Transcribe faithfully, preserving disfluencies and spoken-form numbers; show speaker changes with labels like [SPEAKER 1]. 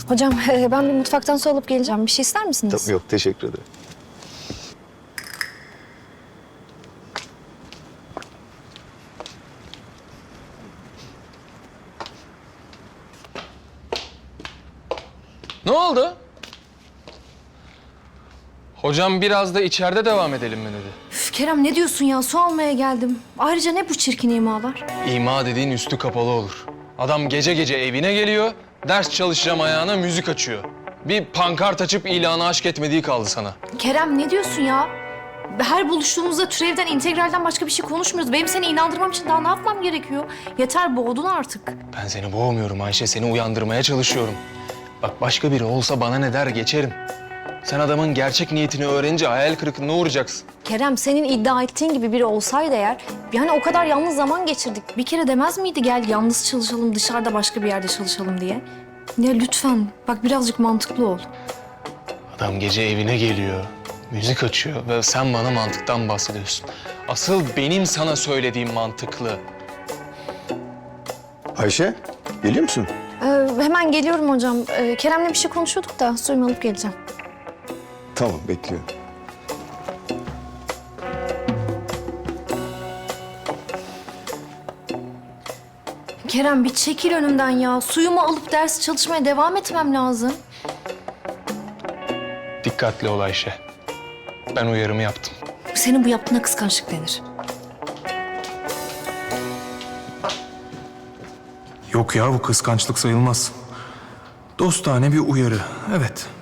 [SPEAKER 1] Hocam e, ben bir mutfaktan su alıp geleceğim. Bir şey ister misiniz?
[SPEAKER 2] Tabii, yok teşekkür ederim.
[SPEAKER 3] Ne oldu? Hocam biraz da içeride devam edelim mi dedi.
[SPEAKER 1] Üf, Kerem ne diyorsun ya? Su almaya geldim. Ayrıca ne bu çirkin imalar?
[SPEAKER 3] İma dediğin üstü kapalı olur. Adam gece gece evine geliyor, ders çalışacağım ayağına müzik açıyor. Bir pankart açıp ilanı aşk etmediği kaldı sana.
[SPEAKER 1] Kerem ne diyorsun ya? Her buluştuğumuzda türevden, integralden başka bir şey konuşmuyoruz. Benim seni inandırmam için daha ne yapmam gerekiyor? Yeter, boğdun artık.
[SPEAKER 3] Ben seni boğmuyorum Ayşe, seni uyandırmaya çalışıyorum. Bak başka biri olsa bana ne der geçerim. Sen adamın gerçek niyetini öğrenince hayal kırıklığına uğrayacaksın.
[SPEAKER 1] Kerem senin iddia ettiğin gibi biri olsaydı eğer... Yani o kadar yalnız zaman geçirdik. Bir kere demez miydi gel yalnız çalışalım, dışarıda başka bir yerde çalışalım diye? Ya lütfen bak birazcık mantıklı ol.
[SPEAKER 3] Adam gece evine geliyor, müzik açıyor ve sen bana mantıktan bahsediyorsun. Asıl benim sana söylediğim mantıklı.
[SPEAKER 2] Ayşe, geliyor musun?
[SPEAKER 1] Ee, hemen geliyorum hocam. Ee, Kerem'le bir şey konuşuyorduk da suyumu alıp geleceğim.
[SPEAKER 2] Tamam, bekliyorum.
[SPEAKER 1] Kerem bir çekil önümden ya. Suyumu alıp ders çalışmaya devam etmem lazım.
[SPEAKER 3] Dikkatli ol Ayşe. Ben uyarımı yaptım.
[SPEAKER 1] Senin bu yaptığına kıskançlık denir.
[SPEAKER 4] Yok ya, bu kıskançlık sayılmaz. Dostane bir uyarı, evet.